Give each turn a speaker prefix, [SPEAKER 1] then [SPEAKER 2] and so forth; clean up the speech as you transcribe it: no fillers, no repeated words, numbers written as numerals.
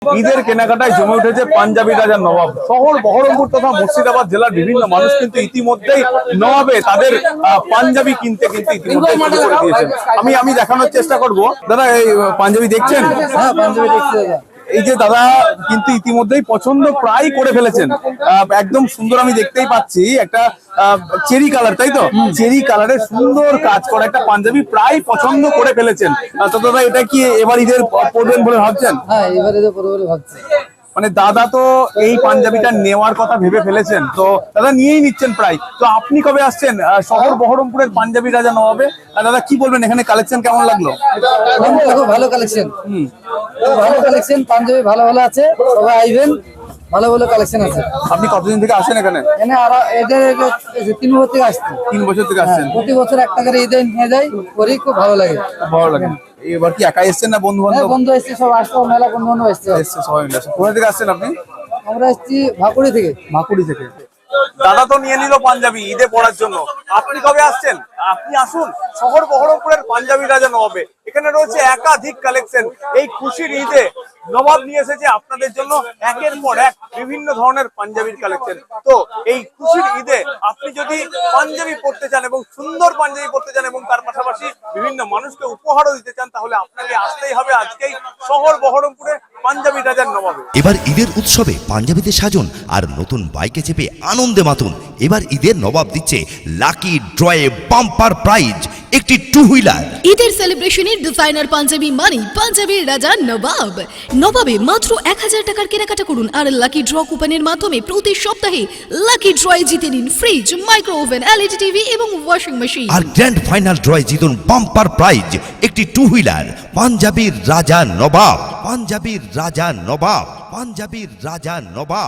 [SPEAKER 1] ঈদের কেনাকাটায় জমে উঠেছে পাঞ্জাবি রাজার নবাব। শহর বহরমপুর তথা মুর্শিদাবাদ জেলার বিভিন্ন মানুষ কিন্তু ইতিমধ্যেই নবাবে তাদের পাঞ্জাবি কিনতে ইতিমধ্যে শুরু করে দিয়েছেন। আমি দেখানোর চেষ্টা করব। দাদা, এই পাঞ্জাবি দেখছেন?
[SPEAKER 2] হ্যাঁ, পাঞ্জাবি দেখছি দাদা।
[SPEAKER 1] এই যে দাদা কিন্তু ইতিমধ্যেই পছন্দ প্রায় করে ফেলেছেন। একদম সুন্দর, আমি দেখতেই পাচ্ছি একটা চেরি কালার, তাই তো? চেরি কালারের সুন্দর কাজ করা একটা পাঞ্জাবি প্রায় পছন্দ করে ফেলেছেন। তো দাদা, এটা কি এবার ঈদের পরবেন বলে ভাবছেন?
[SPEAKER 2] হ্যাঁ, এবারে তো পরে বলে ভাবছি।
[SPEAKER 1] মানে দাদা তো এই পাঞ্জাবিটা নেওয়ার কথা ভেবে ফেলেছেন, তো দাদা নিয়েই নিচ্ছেন প্রায়। তো আপনি কবে আসছেন শহর বহরমপুরের পাঞ্জাবি রাজা নবাবে? দাদা কি বলবেন, এখানে কালেকশন কেমন লাগলো?
[SPEAKER 2] খুব ভালো কালেকশন, ভালো কালেকশন, পাঞ্জাবি ভালো ভালো আছে, সবাই আইবেন, ভালো ভালো কালেকশন আছে।
[SPEAKER 1] আপনি কতদিন থেকে আসেন এখানে?
[SPEAKER 2] আর এদের 3 বছর থেকে আসছে।
[SPEAKER 1] 3 বছর থেকে আসছেন।
[SPEAKER 2] প্রতি বছর একটা করে ঈদে নিয়ে যাই, করি, খুব ভালো লাগে।
[SPEAKER 1] ভালো লাগে। এবার কি একাই এসছেন না বন্ধু বান্ধব?
[SPEAKER 2] বন্ধু এসছে, সব আসছে, মেলা বন্ধু বান্ধব এসছে।
[SPEAKER 1] সবাই মিলে। কোথা থেকে আসছেন আপনি?
[SPEAKER 2] আমরা এসছি ভাকুড়ি থেকে।
[SPEAKER 1] মাকুড়ি থেকে। দাদা তো নিয়ে নিল পাঞ্জাবি ঈদে পরার জন্য। আপনি কবে আসছেন? আপনি আসুন শহর বহরমপুরের পাঞ্জাবি রাজা নবাবে। এখানে রয়েছে একাধিক কালেকশন। এই খুশির ঈদে নবাব নিয়ে এসেছে আপনাদের জন্য একের পর এক বিভিন্ন ধরনের পাঞ্জাবির কালেকশন। তো এই খুশির ঈদে আপনি যদি পাঞ্জাবি পরতে চান এবং সুন্দর পাঞ্জাবি পরতে চান এবং তার পাশাপাশি বিভিন্ন মানুষকে উপহারও দিতে চান, তাহলে আপনাকে আসতেই হবে আজকেই শহর বহরমপুরে পাঞ্জাবি রাজার নবাবে।
[SPEAKER 3] এবার ঈদের উৎসবে পাঞ্জাবিতে সাজুন আর নতুন বাইকে চেপে আনন্দে মাতুন। এবার ঈদের নবাব দিচ্ছে লাকি ড্রয়ে বাম্পার প্রাইজ একটি 2 হুইলার।
[SPEAKER 4] ঈদের সেলিব্রেশনের ডিজাইনার পাঞ্জাবি মানে পাঞ্জাবির রাজা নবাব। নবাবে মাত্র 1000 টাকার কেনাকাটা করুন আর লাকি ড্র কুপনের মাধ্যমে প্রতি সপ্তাহে লাকি ড্রয়ে জিতে নিন fridge, micro oven, LED TV এবং ওয়াশিং মেশিন।
[SPEAKER 3] আর গ্র্যান্ড ফাইনাল ড্রয়ে জিতুন বাম্পার প্রাইজ একটি 2 হুইলার। পাঞ্জাবির রাজা নবাব, পাঞ্জাবির রাজা নবাব, পাঞ্জাবির রাজা নবাব।